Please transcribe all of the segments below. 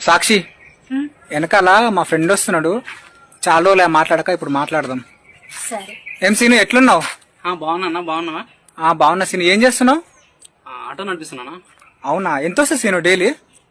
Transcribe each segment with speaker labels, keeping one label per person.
Speaker 1: సాక్షి వెనకాల మా ఫ్రెండ్ వస్తున్నాడు, చాలా రోజులే మాట్లాడక, ఇప్పుడు మాట్లాడదాం.
Speaker 2: సరే.
Speaker 1: ఏం సీను, ఎట్లున్నావు?
Speaker 3: బాగున్నా. బాగున్నావా?
Speaker 1: బాగున్నా సీను. ఏం చేస్తున్నావు?
Speaker 3: ఆటో నడిపిస్తున్నానా.
Speaker 1: అవునా, ఎంత వస్తుంది సీను డైలీ?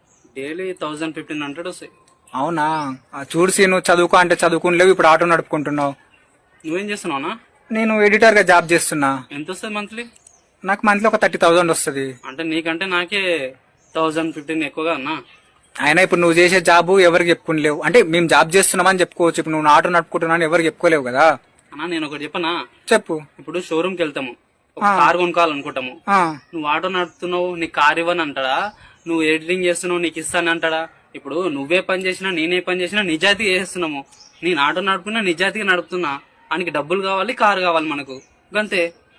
Speaker 3: 1500 వస్తాయి.
Speaker 1: అవునా, చూడు సీను, చదువుకో అంటే చదువుకుని ఇప్పుడు ఆటో నడుపుకుంటున్నావు.
Speaker 3: నువ్వేం చేస్తున్నావునా?
Speaker 1: నేను ఎడిటర్ గా జాబ్ చేస్తున్నా.
Speaker 3: ఎంత వస్తుంది మంత్లీ?
Speaker 1: నాకు మంత్లీ ఒక 30,000 వస్తుంది.
Speaker 3: అంటే నీకంటే నాకే 1015 ఎక్కువగా అన్నా.
Speaker 1: అయినా ఇప్పుడు నువ్వు చేసే జాబ్ ఎవరికి చెప్పుకోలేవు. అంటే మేము జాబ్ చేస్తున్నామని చెప్పుకోవచ్చు, ఇప్పుడు నువ్వు ఆటో నడుపుకుంటున్నా అని ఎవరికి చెప్పుకోలేవు కదా.
Speaker 3: అన్నా నేను ఒకటి చెప్పనా?
Speaker 1: చెప్పు.
Speaker 3: ఇప్పుడు షోరూమ్ కి వెళ్తాము, ఒక కార్ కొనుక్కోవాలనుకుంటాము. నువ్వు ఆటో నడుపుతున్నావు, నీకు కార్ ఇవ్వని అంటాడా? నువ్వు ఎడిటింగ్ చేస్తున్నావు, నీకు ఇస్తాను అంటాడా? ఇప్పుడు నువ్వే పని చేసినా నేనే పని చేసినా నిజాయితీ చేస్తున్నాము. నేను ఆటో నడుపుతున్నా, నిజాయితీగా నడుపుతున్నా. ఆయనకి డబ్బులు కావాలి, కారు కావాలి మనకు, గంతే.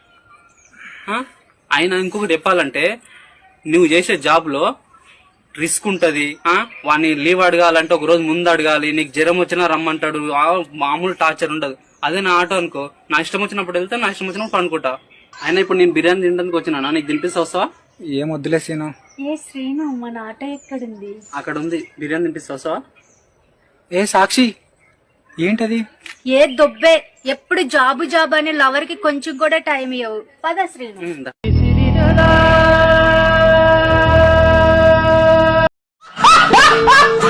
Speaker 3: ఆయన ఇంకొకటి చెప్పాలంటే, నువ్వు చేసే జాబ్ లో రిస్క్ ఉంటది. వాడిని లీవ్ అడగాలంటే ఒక రోజు ముందు అడగాలి. నీకు జ్వరం వచ్చినా రమ్మంటాడు, మామూలు టార్చర్ ఉండదు. అదే నా ఆటో అనుకో, నా ఇష్టం వచ్చినప్పుడు వెళ్తే, నా ఇష్టం వచ్చినప్పుడు పనుకుంటా. అయినా ఇప్పుడు నేను బిర్యానీ తినడానికి వచ్చినా, నీకు తినిపిస్తా, వస్తావా?
Speaker 1: ఏం వద్దులే సీను.
Speaker 2: ఏ శ్రీను, మన ఆటో ఎక్కడుంది?
Speaker 3: అక్కడ ఉంది, బిర్యానీ తినిపిస్తా, వస్తావా?
Speaker 1: ఏ సాక్షి, ఏంటది?
Speaker 2: ఏ దొబ్బే, ఎప్పుడు జాబు అని లవర్ కి కొంచెం కూడా టైం ఇవ్వవు. పద శ్రీను.